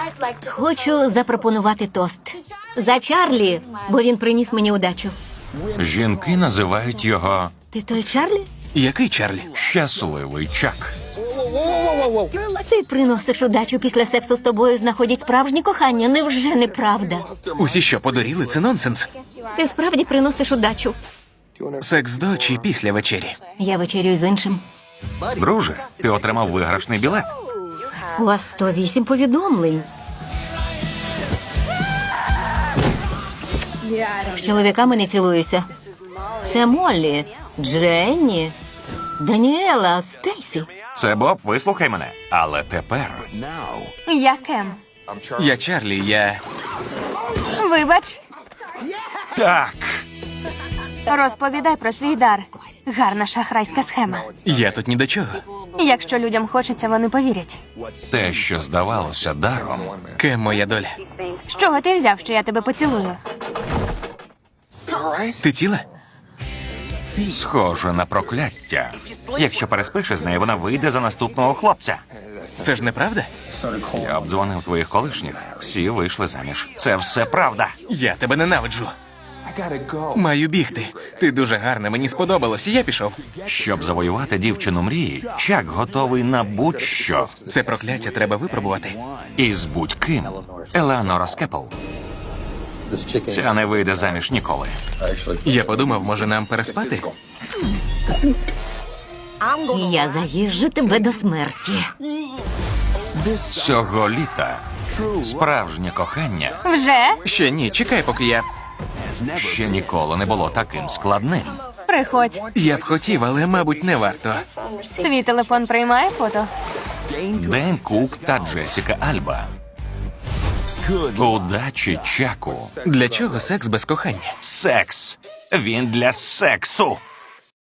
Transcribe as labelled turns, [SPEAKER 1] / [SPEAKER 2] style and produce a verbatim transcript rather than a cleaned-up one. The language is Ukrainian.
[SPEAKER 1] Хочу запропонувати тост. За Чарлі, бо він приніс мені удачу.
[SPEAKER 2] Жінки називають його
[SPEAKER 1] Ти той Чарлі?
[SPEAKER 3] Який Чарлі?
[SPEAKER 2] щасливий Чак.
[SPEAKER 1] Ти приносиш удачу після сексу з тобою, знаходять справжнє кохання. Невже неправда?
[SPEAKER 3] Усі що, подуріли? Це нонсенс.
[SPEAKER 1] Ти справді приносиш удачу.
[SPEAKER 3] Секс до чи після вечері?
[SPEAKER 1] Я вечерюю з іншим.
[SPEAKER 2] Друже, ти отримав виграшний білет.
[SPEAKER 1] У вас сто вісім повідомлень. З чоловіками не цілуюся. Це Моллі, Дженні, Даніела, Стейсі.
[SPEAKER 2] Це Боб, вислухай мене. Але тепер
[SPEAKER 4] Я Кем.
[SPEAKER 3] Я Чарлі, я...
[SPEAKER 4] Вибач,
[SPEAKER 2] так.
[SPEAKER 4] розповідай про свій дар. Гарна шахрайська схема.
[SPEAKER 3] Я тут ні до чого.
[SPEAKER 4] Якщо людям хочеться, вони повірять.
[SPEAKER 2] Те, що здавалося даром,
[SPEAKER 3] Кем моя доля?
[SPEAKER 4] З чого ти взяв, що я тебе поцілую?
[SPEAKER 3] Ти ціла?
[SPEAKER 2] схоже на прокляття. Якщо переспиш із нею, вона вийде за наступного хлопця.
[SPEAKER 3] Це ж неправда?
[SPEAKER 2] Я обдзвонив твоїх колишніх. Всі вийшли заміж. Це все правда.
[SPEAKER 3] Я тебе ненавиджу. Маю бігти. Ти дуже гарна, мені сподобалось, і я пішов.
[SPEAKER 2] Щоб завоювати дівчину мрії, Чак готовий на будь-що.
[SPEAKER 3] Це прокляття треба випробувати.
[SPEAKER 2] І з будь-ким. Елеонора Скепл. Ця не вийде заміж ніколи.
[SPEAKER 3] Я подумав, може нам переспати?
[SPEAKER 1] Я заїжджу тебе до смерті.
[SPEAKER 2] Цього літа справжнє кохання
[SPEAKER 4] Вже?
[SPEAKER 3] Ще ні, чекай, поки я...
[SPEAKER 2] ще ніколи не було таким складним.
[SPEAKER 4] Приходь.
[SPEAKER 3] Я б хотів, але, мабуть, не варто.
[SPEAKER 4] Твій телефон приймає фото?
[SPEAKER 2] Ден Кук та Джесіка Альба. Удачі Чаку.
[SPEAKER 3] Для чого секс без кохання?
[SPEAKER 2] Секс. Він для сексу.